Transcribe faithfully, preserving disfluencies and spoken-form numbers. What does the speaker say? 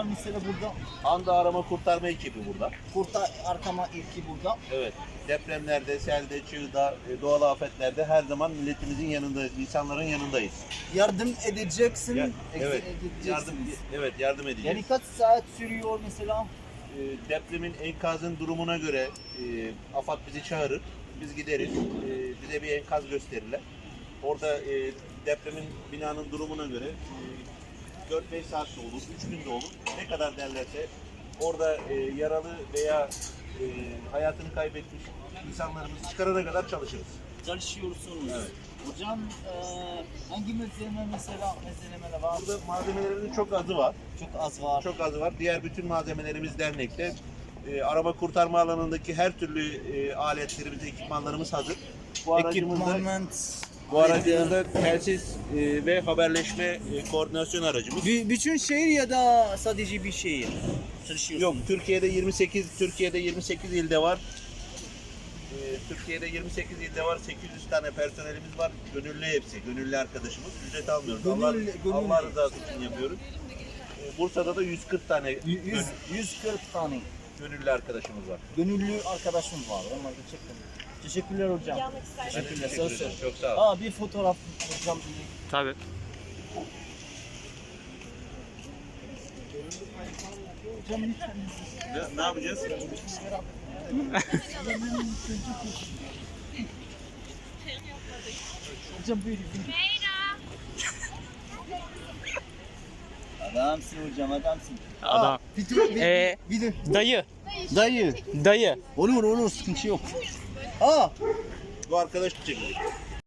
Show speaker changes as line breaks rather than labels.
var mesela burada?
Anda arama kurtarma ekibi burada.
Kurtar arkama ilki burada.
Evet. Depremlerde, selde, çığda, e, doğal afetlerde her zaman milletimizin yanındayız, insanların yanındayız.
Yardım edeceksin.
Ya-
ex-
evet.
edeceksiniz.
Yardım, evet, yardım edeceğiz.
Yani kaç saat sürüyor mesela?
E, depremin, enkazın durumuna göre e, AFAD bizi çağırır, biz gideriz, e, bize bir enkaz gösterirler. Orada e, depremin, binanın durumuna göre e, dört beş saat de olur, üç gün de olur. Ne kadar derlerse orada e, yaralı veya e, hayatını kaybetmiş insanlarımızı çıkarana kadar çalışırız.
Çalışıyorsunuz.
Evet.
Hocam e, hangi malzeme mesela malzemeler var?
Burada malzemelerimizin çok azı var.
Çok az var.
Çok azı var. Diğer bütün malzemelerimiz dernekte. E, arama kurtarma alanındaki her türlü e, aletlerimiz, ekipmanlarımız hazır. Bu aracımızda,
Equipment.
bu aracımızda telsiz e, ve haberleşme e, koordinasyon aracımız.
B- bütün şehir ya da sadece bir şehir çalışıyorsunuz?
Yok, Türkiye'de yirmi sekiz Türkiye'de yirmi sekiz ilde var. E, Türkiye'de yirmi sekiz ilde var. sekiz yüz tane personelimiz var. Gönüllü hepsi. Gönüllü arkadaşımız. Ücret almıyoruz.
Gönüllü-
Allah,
gönüllü.
Allah rızası için yapıyoruz. E, Bursa'da da yüz kırk tane
yüz, yüz kırk tane
gönüllü arkadaşımız var.
gönüllü arkadaşım var. Onlar gerçekten. Teşekkürler hocam.
Yanmak ister.
Ben de
Teşekkürler.
teşekkür
Söz
ederim.
söz.
Çok sağ ol.
Aa bir fotoğraf hocam.
Tabii.
Hocam lütfen.
Ne, ne yapacağız?
Hocam böyle. Adamsın hocam adamsın.
Adam.
Video, video,
Ee,
video.
Dayı.
Dayı.
Dayı.
Olur olur sıkıntı yok. Aa
Bu arkadaş çekiyor.